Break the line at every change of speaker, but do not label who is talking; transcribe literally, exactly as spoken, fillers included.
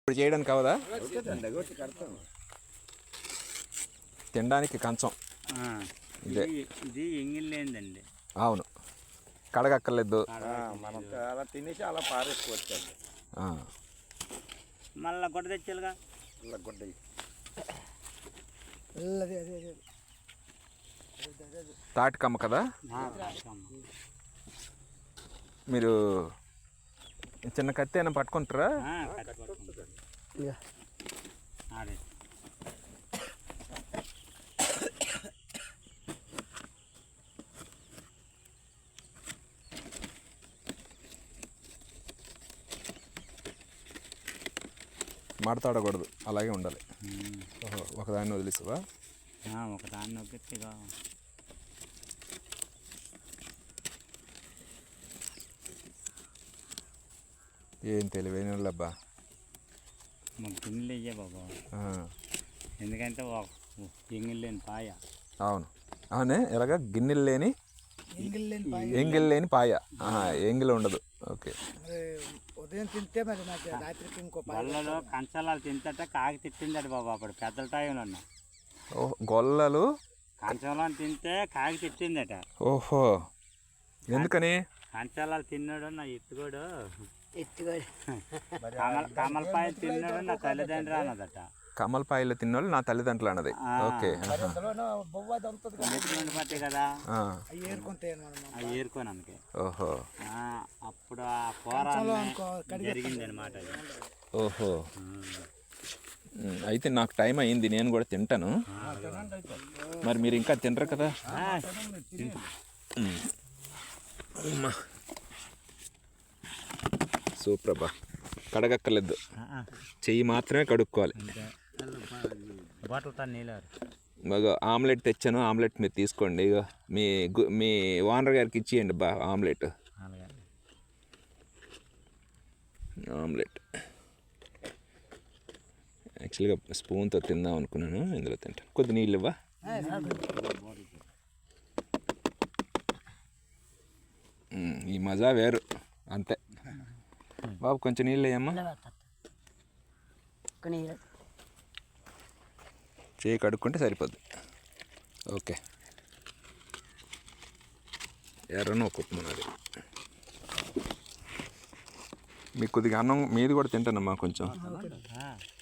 ఇప్పుడు చేయడానికి అవదా? తినడానికి కంచం ఇదే.
ఇది ఎంగిల్లేందండి.
అవును, కడగక్కర్లేదు.
మనం అలా తినేసి అలా పారేసుకోవచ్చు.
మళ్ళీ గుడ్డ తెచ్చాలుగా.
గుడ్డ
తాటికమ్మ కదా. మీరు చిన్న కత్తి అయినా పట్టుకుంటారా? మాడతాడకూడదు, అలాగే ఉండాలి. ఓహో, ఒకదాన్ని వదిలేసావా?
ఒకదాన్ని వదిలేగా.
ఏం తెలివైన అబ్బా.
మాకు గిన్నెలు ఇయ్యే బాబా, ఎందుకంటే ఎంగిల్ లేని పాయ.
అవును అవునే, ఎలాగ గిన్నెలు లేని ఎంగిల్ లేని పాయ, ఎంగిల్ ఉండదు. ఓకే,
ఉదయం తింటే మరి నాకు రాత్రికి ఇంకో
గొల్లలో కంచాలాలు తింటే కాకి తిట్టిందట బాబా అప్పుడు పెద్దల టైంలో.
ఓహో, గొల్లలు
కంచంలో తింటే కాకి తిట్టిందట.
ఓహో, ఎందుకని?
కంచాలాలు తిన్నాడు నా ఎత్తుకోడు,
ఎత్తుకోడు.
కమల కమలపాయ తిన్నాడు నా తల్లిదండ్రులు అన్నదట.
కమలపాయలు తిన్నోళ్ళు నా తల్లిదండ్రులు అన్నది. ఓకే,
పట్టే కదా
ఏరుకుంటాయి
ఏరుకోని అందుకే.
ఓహో,
అప్పుడు ఆ పోరాటం జరిగింది అనమాట.
ఓహో, అయితే నాకు టైం అయింది, నేను కూడా తింటాను. మరి మీరు ఇంకా తినరు కదా? సూపర్ అబ్బా, కడగక్కర్లేదు, చెయ్యి మాత్రమే కడుక్కోవాలి.
బాటిల్తో నీళ్ళు
బాగా ఆమ్లెట్ తెచ్చాను, ఆమ్లెట్ మీరు తీసుకోండి. ఇక మీ మీ ఓనర్ గారికి ఇచ్చేయండి బా ఆమ్లెట్. ఆమ్లెట్ యాక్చువల్గా స్పూన్తో తిందాం అనుకున్నాను, ఇందులో తింటాను. కొద్ది నీళ్ళు ఇవ్వా? ఈ మజా వేరు అంతే. బాబు కొంచెం నీళ్ళు వేయమ్మా. చేయి కడుక్కుంటే సరిపోద్ది. ఓకే, ఎర్రను ఒక ఉప్మన్నది. మీకు కొద్దిగా అన్నం మీది కూడా తింటానమ్మా కొంచెం.